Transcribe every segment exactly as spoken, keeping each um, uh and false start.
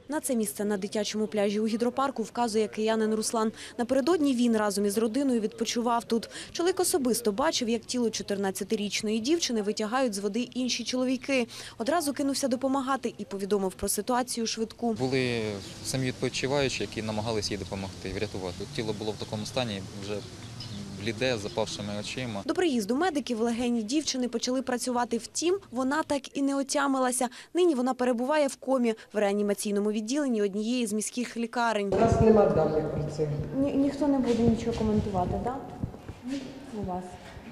На це місце на дитячому пляжі у гідропарку вказує киянин Руслан. Напередодні він разом із родиною відпочивав тут. Чоловік особисто бачив, як тіло чотирнадцятирічної дівчини витягають з води інші чоловіки. Одразу кинувся допомагати і повідомив про ситуацію швидку. Були самі відпочиваючі, які намагалися їй допомогти, врятувати. Тіло було в такому стані, вже бліде, з запавшими очима. До приїзду медиків легені дівчини почали працювати. Втім, вона так і не отямилася. Нині вона перебуває в комі в реанімаційному відділенні однієї з міських лікарень. У нас немає даних про це. Ні, ніхто не буде нічого коментувати, так? У вас.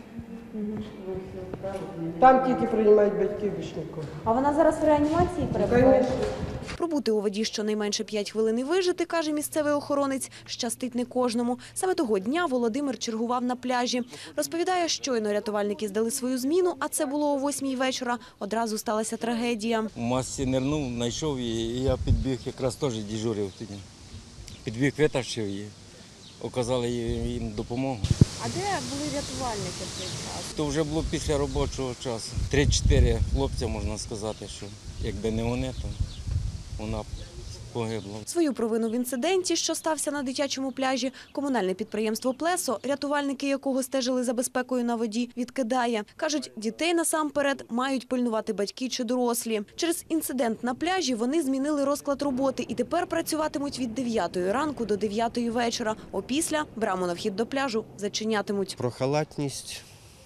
Там тільки приймають батьків більш нікого. А вона зараз в реанімації перебуває? Звісно. Пробути у воді щонайменше п'ять хвилин і вижити, каже місцевий охоронець, щастить не кожному. Саме того дня Володимир чергував на пляжі. Розповідає, щойно рятувальники здали свою зміну, а це було о восьмій вечора. Одразу сталася трагедія. У масці нирнув, знайшов її, і я підбіг, якраз теж дежурив тоді. Підбіг, витащив її, оказали їм допомогу. А де були рятувальники в цей час? То вже було після робочого часу. Три-чотири хлопця, можна сказати, що якби не вони, то вона б погибла. Свою провину в інциденті, що стався на дитячому пляжі, комунальне підприємство «Плесо», рятувальники якого стежили за безпекою на воді, відкидає. Кажуть, дітей насамперед мають пильнувати батьки чи дорослі. Через інцидент на пляжі вони змінили розклад роботи і тепер працюватимуть від дев'ятої ранку до дев'ятої вечора. Опісля браму на вхід до пляжу зачинятимуть. Про халатність,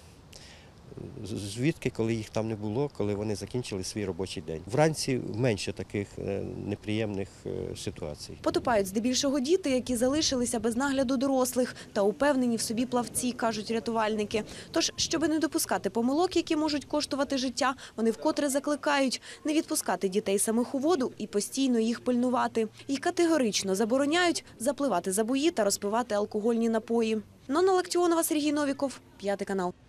звідки, коли їх там не було, коли вони закінчили свій робочий день. Вранці менше таких неприємних ситуацій. Потопають здебільшого діти, які залишилися без нагляду дорослих та упевнені в собі плавці, кажуть рятувальники. Тож, щоби не допускати помилок, які можуть коштувати життя, вони вкотре закликають не відпускати дітей самих у воду і постійно їх пильнувати. І категорично забороняють запливати за бої та розпивати алкогольні напої. Нонна Лактіонова, Сергій Новіков, П'ятий канал.